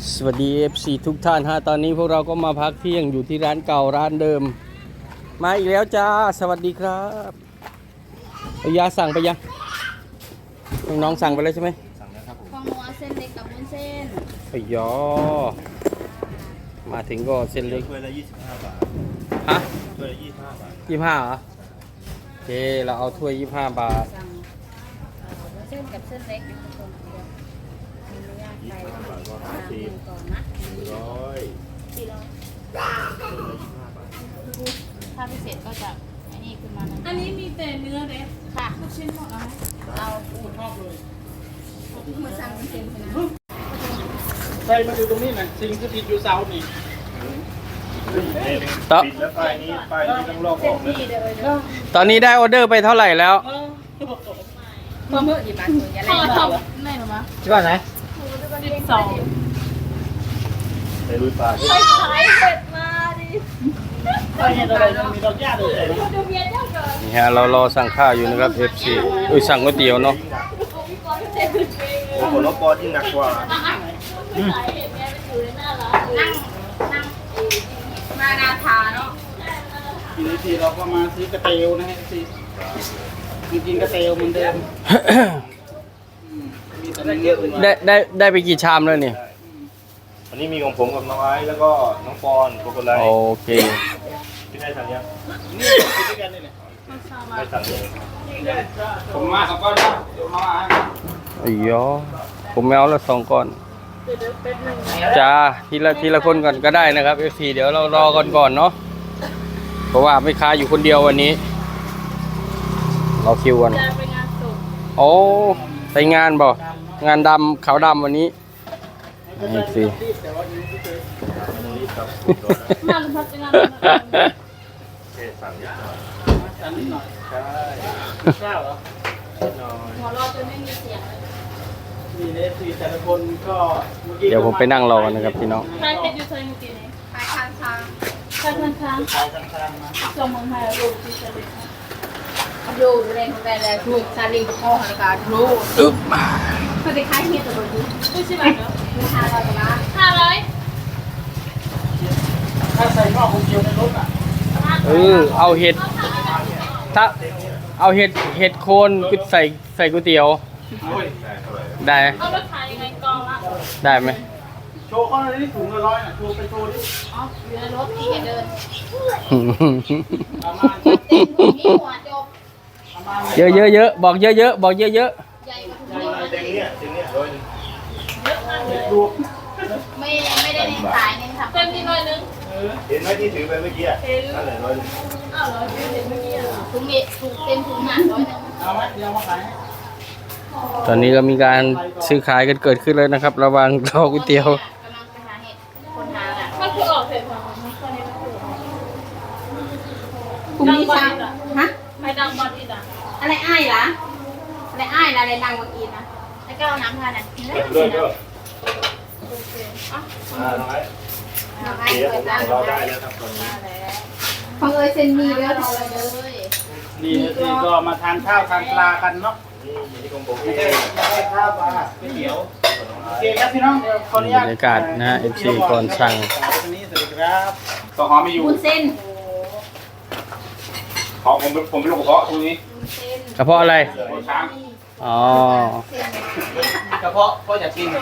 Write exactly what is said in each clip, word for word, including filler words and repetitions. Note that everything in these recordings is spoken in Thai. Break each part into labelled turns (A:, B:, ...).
A: สวัสดี เอฟ ซี ทุกท่านฮะตอนนี้พวกเราก็มาพักเที่ยงอยู่ที่ร้านเก่าร้านเดิมมาอีกแล้วจ้าสวัสดีครับเอายาสั่งไปยังน้องสั่งไปแล้วใช่ไหม
B: สั่งแล้วครับผม
C: ของหนูเอาเส้นเล็กกับวุ้นเส้น
A: ไอ้ยอมาถึงก็เส้นเล็ก
B: ถ้วยละยี่สิบห้าบาท
A: ฮะ
B: ถ้วยละยี่สิบห้าบาท
A: ยี่สิบห้าเหรอโอเคเราเอาถ้วยยี่สิบห้าบาท
C: สั่งวุ้นเส้นกับเส้นเล็กนะทุกคนมีเนื้อย่างไก่ต้องสั่งก่อนนะ
B: ร้อย
C: สี่ร้อยถ้าพิเศษก็จะอันนี้คือมัน
D: อันนี้มีแต่เนื้อเด็ด
C: ค่ะ
D: ลูกชิ้นหมดแล้วไหม
C: เราปูชอบเลยมาสั่งวุ้นเส้นนะ
E: ใส่มาอยู่ตรงนี้นะสิ่งที่ติดอยู่เสานี่
A: ตอน
B: ปิดแล้วป้ายนี้ป้ายนี้ต้องลอกออกนะ
A: ตอนนี้ได้ออเดอร์ไปเท่าไหร่แล้ว
C: เพิ่มเพิ่มอีกบาทหนึ่งอย่า
D: พ
C: เล่
D: อน ทำไม่หรอมะ
A: ที่บ้านไหน
D: สิบสอง
B: ไปลุยป่าที่
D: ไปขายเสร็จมาดิ
E: ใส่อะไรมีดอกหญ้าด้วย
D: ดูเมียเจ้าเกิด
A: นี่ฮะเรารอสั่งข้าวอยู่นะครับ เอฟ ซี เอ้ยสั่งก๋วยเตี๋ยวเนาะ
B: โอ้โหรถปอที่หนักกว่า
D: ขายเห็นเมียมันอยู่ในหน้าร้าน
C: นั่งนั่งมานาทาเนาะ
E: ทีนี้ทีเราก็มาซื้อกระเตียวนะฮะสิกินกระเตียวเหมือนเดิมมีแต่เยอะเลย
A: ได้ได้ได้ไปกี่ชามแล้วเนี่ย
B: วันนี้มีของผมกับน้องไอ้แล้วก็น้องปอนโกโกไล
A: โอเค
B: ที่ได้สั่งยัง
E: นี่กินด้วยกันนี่แหละ
B: ได้สั่งเลย
E: ผมมาสองก้อนนะเดี๋ยวมา
A: ไอ้ยอผมไม่เอาละสองก้อนจ้าทีละทีละคนก่อนก็ได้นะครับ เอฟ ซี เดี๋ยวเรารอก่อนก่อนเนาะเพราะว่าไม่ค้าอยู่คนเดียววันนี้รอคิวกัน
D: จะไปงานศพ
A: โอ้ไปงานบ่งานดำขาวดำวันนี้เอฟ ซี
D: มาลุงพัดจะงาน
B: เทสั่งนิดหน่อย
E: อันนี้หน่อย
B: ใช่
E: ข้าวเหรอ
B: นิดหน่อย
D: หัวเราะจนไม่มีเสียงเลย
E: มีเลสสี่แต่ละคนก็
A: เดี๋ยวผมไปนั่งรอกันนะครับพี่น้อง
D: ใครเป็นยูเซอร์เมื่อกี้นี้
C: ขายทางทาง
D: ใครทันค้าง
E: ขายข้างๆนะ
D: ส่งเมืองไทยรูปที่จะเป็น
C: ดูเรื่องของแกแล้วถูกซาลิงกับพ่อหันการรู้
A: อึ๊บ
C: เขาไปขายเฮียตัวนี้
D: ไม่ใช่ไหมเนาะ
C: ราคาเราจะมา
D: ห้าร้อย
E: ถ้าใส่หม้อคงเจียวในรถอ่ะ
A: เออเอาเห็ดถ้าเอาเห็ดเห็ดโคนใส่ใส่ก๋วยเตี๋ยว
E: โอ้ย
B: ได้เท่าไหร่
A: ได้
D: เอารถขายยังไงกองละ
A: ได้ไหม
E: โชว์เขาเลยนี่ถุงละร้อยน่ะโชว์ไปโชว์ดิ
C: อ๋ออยู่ในรถที่เดิน
E: ประมาณ
C: เต็มถุงนี้หัวจบ
E: ประมาณ
A: เยอะเยอะเยอะบอกเยอะเยอะบอกเยอะเยอะ
C: ใหญ่กว่าถุงนี้
B: เต็งเนี้ยเต็งเนี้ยร้อยหนึ่ง
D: เยอะมากเลย
E: ดู
C: ไม่ไม่ได้ในสายเนี่ยค่ะ
D: เต็มที่ร้อยนึง
B: เห็นไหมที่ถือไปเมื่อกี้นั่นแหละร้อยหนึ่ง
D: อ้าวเหรอเห็นเมื่อกี้เหรอ
C: ถุงนี้ถุงเต็มถุงหนาร้อยหนึ่ง
E: เอาไหมเดี๋ยวมาขายให้
A: ตอนนี้ก็มีการซื้อขายกันเกิดขึ้นเลยนะครับ ระหว่างรอก๋วยเตี๋ยว
C: กำลังไปหาเห็ดคนหาอ่ะ
D: มันคือออกเสร็จของมันตอนนี้มันคือออก
C: ถุงนี้ช่างฮะ
D: ใครดังบอลอีกอ่ะ
C: อะไรอ้ายล่ะอะไรอ้ายล่ะอะไรดังเมื่อกี้นะแล้วก็เอาน้ำทานอ่ะ
B: ด้วยด้วย
D: โอเค
B: อ่าน้องไอ้
C: น้ำอ้าย
B: เดี๋ยว
C: เปิ
B: ผ
C: ด
B: ม
C: ร้าน
B: เราได้แล้วครับตอนนี้
C: ของเอ้ยเซนมีเด้อของเอ้ยเลย
E: นี่นี่ก็มาทานข้าวทานปลากันเนาะ
B: นี่อยู่ที่ของผม
E: ไม่
B: เอ
E: ใช่
B: ง
E: ไม่ใช่ข้าวปลาก๋วยเตี๋ยวโอเคครับพี่น้องเดี๋ยวขออนุญาต
A: บรรยากาศนะฮะ เอฟ ซี ก่อนสั่ง
E: ตรงนี้สวัสดีครับต่อหอมไม่อยู่
C: วุ้นเส้น
E: ขอผมผมเป็นลูกกระเพาะตรงนี้
C: วุ้นเส้น
A: กระเพาะอะไร
E: หัวช้าง
A: อ๋อ
C: เส้น
E: กระเพาะก็อยากกิน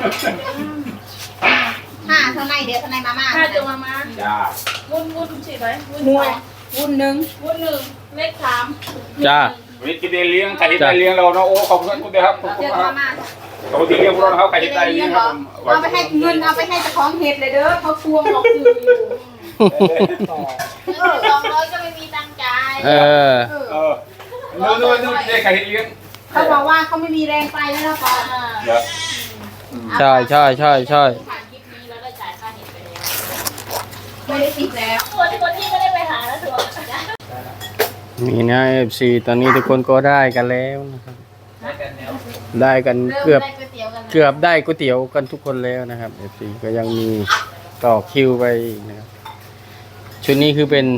C: ห้าเท่าไหร่เดี๋ยวเท่าไหร่มาม่า
D: ถ้าจะมามา
E: จ้า
D: วุ้นวุ้นฉีดไหมวุ้น
C: ห
D: ส
C: น่
D: อ
C: วย
D: ง
C: วุ้นหนึ่ง
D: วุ้นหนึ่งเลขสาม
A: จ้า
E: วันนี้กินได้เลี้ยงไข่ที่ได้เลี้ยงเราเนาะโอ้ขอบคุณคุณครับขอบคุณ
C: เดี๋ยว
E: ครั
C: มา
E: บ
C: ม่า
E: ปกติเลี้ยงพวกเราเขาไข่ที่ได้เลี้ยงครับ
C: เอาไปให้เงินเอาไปให้เจ้าของเห็ดเลยเด้อเขาทวงหลอกซื้ออยู่ เออสองร้อยก็ไม่มีตังค์จ่าย
A: เออ
E: เออนู่นนู่นนู่นได้ไข่ที่เลี้ยง
C: เขาบอกว่าเขาไม่มีแรงไปแล้วนะก่อน
E: เดี๋ยว
A: ใช่ใช่ใช่ใช่
C: ผ่านคลิปนี้แล้วได้จ่ายค่าเห็ดไปแล้วไม่ได้ติดแล้ว
D: ตัวที่คนที่ไม่ได้ไปหาแล้วถือว่า
A: นี่นะ เอฟ ซี ตอนนี้ทุกคนก็ได้กันแล้วนะครับ ได้กัน
C: เริ่ม
A: เกือบ
C: ได้ก๋วยเตี๋ยวกัน
A: เกือบได้ก๋วยเตี๋ยวกันทุกคนแล้วนะครับ เอฟ ซี ก็ยังมีต่อคิวไปอีกนะครับ ชุดนี้คือเป็น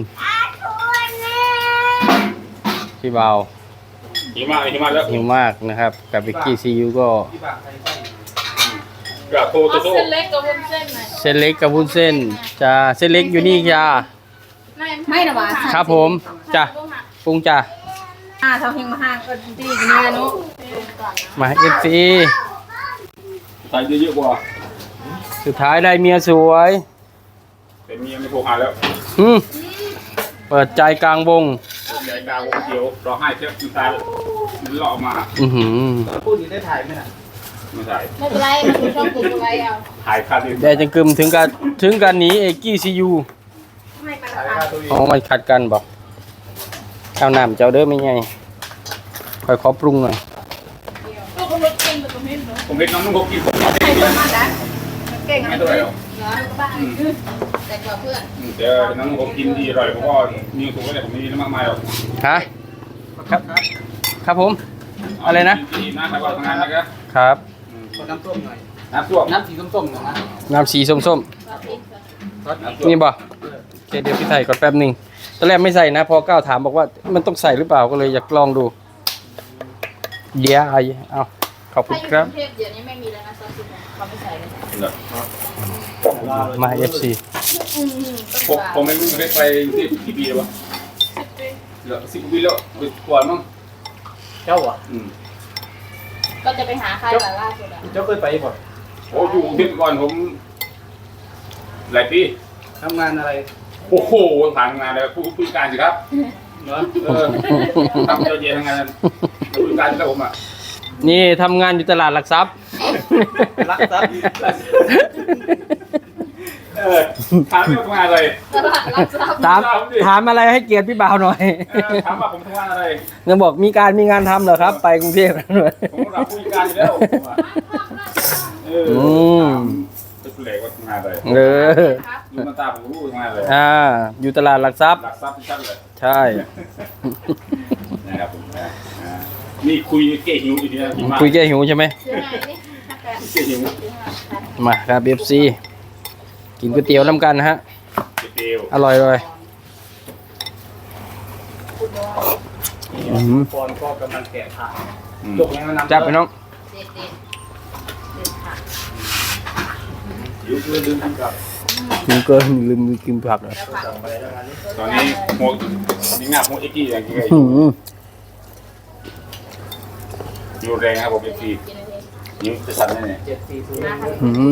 A: พี่เบา
E: หิมะหิมะแล้ว
A: หิวมากนะครับ กับวิกกี้ซียูก็
E: พี่บางใครใช่
B: กระโทร
D: เอา
B: โต้
D: เส้นเล็กกับวุ้นเส้นหน่อย
A: เส้นเล็กกับวุ้นเส้นจ้าเส้นเล็กอยู่นี่จ้า
C: ไม่นะวะ
A: ครับผมจ้าปรุงจ้า
C: อ่าทำเพลงมาห้างก็ดีกันเนี่ยนุ
A: มาเอฟซี
B: ใส่เยอะๆกว่า
A: สุดท้ายได้เมียสวย
B: แต่เมียไม่โทรหาแล้ว
A: อืมเปิดใจกลางวง
B: ใจกลางวงเขียวร้องไห้เช็ดน้ำตามันหล่อมา
A: อือหือ
E: พูดนี้ได้ถ่ายไหมล่ะ
B: ไม่ใช่
C: ไม่เป็นไรมันคือช่องกูอะไรเอา
B: ถ่ายคาดิ
A: ได้จังกึมถึงกันถึงกันหนีเอกกี้ซียู
C: ไม่มา
E: ถ่าย
C: ละ
E: ค่าตัวเอง
A: อ๋อมันขัดกันบอกเอาน้ำเจ้าเด้อไม่ไงค่อยขอปรุงหน่อย
D: ลูกก็รถเก่งแต่ก็ไม่รู้
B: ผมเห็นน้องนุ่งเขากินผม
C: ใครเพื่อนมันนะเก่ง
B: ไม่
C: นะ
B: ตัวไหนหรอก
C: เหรอบ้านแต่กว่าเพื่อน
B: เดี๋ยวน้องนุ่งเขากินดีอร่อยผมก็มีสูงก็แต่ผมไม่มีน้ำมากมายหรอก
A: ฮะครับครับผม อะไรนะ
B: ดีนะครับว่าทำงานนะครับ
A: ครับ
E: ขอน้ำส้มหน่อย
B: น้ำท่วม
E: น้ำสีส้มๆหน่อยนะ
A: น้ำสีส้ม
E: ซอส
A: ๆนี่บ่โอเคเดี๋ยวพี่ใส่ก่อนแป๊บหนึ่งตอนแรกไม่ใส่นะ พอก้าวถามบอกว่ามันต้องใส่หรือเปล่าก็เลยอยากลองดู เดี๋ยวเอาเอาขอบคุ
C: ถ้า
A: ณ
C: อยู่
A: ครับ
C: กรุงเทพเดี๋ยวนี้ไม่มีแล้วนะซอสซุปเขาไม่ใส่เลย
A: มาเอฟซี
C: อืม
B: ผ
C: ต้อ
B: ม
C: ง
B: ผมไม่รู้ไม่ไปที่กี่ปีแล้ววะเหลือสิบปีแล้วก่อนมั้ง
E: เจ้าอ่ะ
B: อืม
C: ก็จะไปหาใครล่ะล่าสุดอ่ะ
E: เจ้าเคยไปบ่
B: โอ้อยู่ที่ก่อนผมหลายปี
E: ทำงานอะไร
B: โอ้โหผ่านงานเลยผู้ผู้การสิครับ
E: เนาะ
B: เออทำเยอะแยะทั้งงานผู้การที่ผมอ่ะ
A: นี่ทำงานอยู่ตลาดหลักทรัพย์
E: รักทรัพย์
B: เออถามเรื่องทำงานอะไร
C: ตลาดรับทรัพย์
A: ถามถามอะไรให้เกียรติพี่บ่าวหน่อย
B: เออถามว่าผมทำงานอะไร
A: ยังบอกมีการมีงานทำเหรอครับ ไปกรุงเทพหน่อย
B: ผมรับผู้การอยู่แล้วผมอะเออ
A: อืม
B: จะเปลกว่าทำงานอะไร
A: เออ
B: ดูหน้าตาผมรู้ทำงานอะไร
A: อ่า อยู่ตลาดหลักทรัพย์
B: หลักทรัพย์ที่ชัดเลย
A: ใช่
B: นะครับผมนะอ่านี่คุยเก๋หิวอยู่ที่นี่มาก
A: คุยแก้หิวใช่ไหม
C: ซื้อไงนี่ถ้าแก
B: เก๋หิว
A: มาครับเอฟซีกินก๋วยเตี๋ยวน้ำกันนะฮะ
B: เก๋เตียว
A: อร่อยเลยอืม
E: ปอนก็กำลังแกะถ่าย
B: อืม
E: จบแล้วน้ำ
A: จับไปน้อง
C: เด็ดเด็ดเด็ดค่ะ
B: หิวเพื่อลืมกินกับ
A: กินเกินลืมกินผักเลย
C: แล้วผัก
B: ตอนนี้หัวนี่งับหัวเอ็กกี้อย่างเงี้ย
A: อืม
B: หิวแรงนะครับผมเอ็กกี้
C: กินอะไร
B: หิวจะสั่นแน่
E: เจ็ดสี่ศูนย์
A: อืม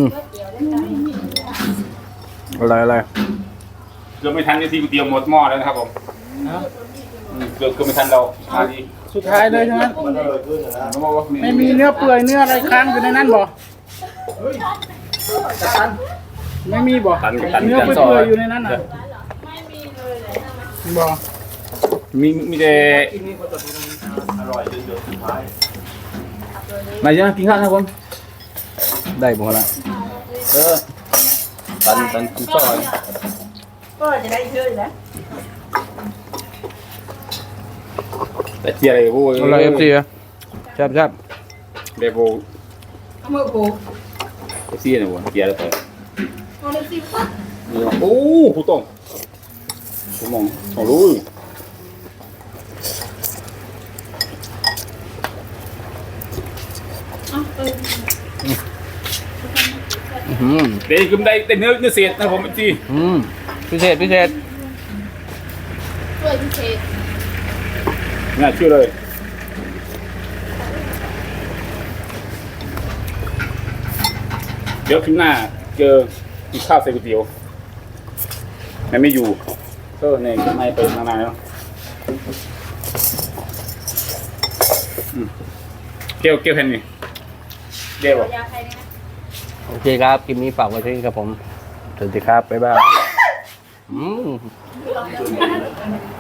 A: อะไรอะไร
B: ๆเกือบไม่ทันที่ทีก๋วยเตี๋ยวหมดหม้อแล้วนะครับผมอืมเกือบเกือบไม่ทันเรามาดี
E: สุดท้ายเลยใช่ไหม
B: เขาบอกว่า
E: ไม่มีเนื้อเปื่อยเนื้ออะไรค้างอยู่ในนั้นบ่ไม่มีบ่
B: ตันกับตัน
E: เนื้อ
B: กัน
E: เปื่อยๆอยู่ในนั้นอ่ะ
D: ไม่มีเลยเลย
E: บ่
B: มีมีแต่
E: กินนี่เขาจะอร่อยจนเดือดสุดท้าย
B: มาเยอะกินข้าวครับผม
A: ได้หมดละ
B: เออตันตันกินข้าว
D: ก็จะได้เยอะนะ
B: แต่เจียอะไรพวก
A: อะไรเอฟซีอะแซ่บแซ่บ
B: เดโบ
C: เอามือปู
B: เอฟซีเนี่ยผมเจียอะไรไป
C: เอาเลยสิปั๊บ
B: โอ้ผู้ตรงผมมองมองรู้
A: อืม
B: เดี๋ยวคือได้แต่เนื้อเนื้อเศษนะผมจี
A: อืมพิเศษพิเศษ
C: ช่วยพิเศษ
B: น่าเชื่อเลยเดี๋ยวคลิปหน้าเจอกินข้าวใส่ก๋วยเตี๋ยวมันไม่อยู่ก็ในไม่ไปนานๆแล้วอืมเกลียวเกลียวแผ่นนี่เดี๋ยวบอก
C: ยาใครเนี่ย
A: โอเคครับคลิปนี้ฝากไว้ที่นี่ครับผมสวัสดีครับบ๊ายบายอืม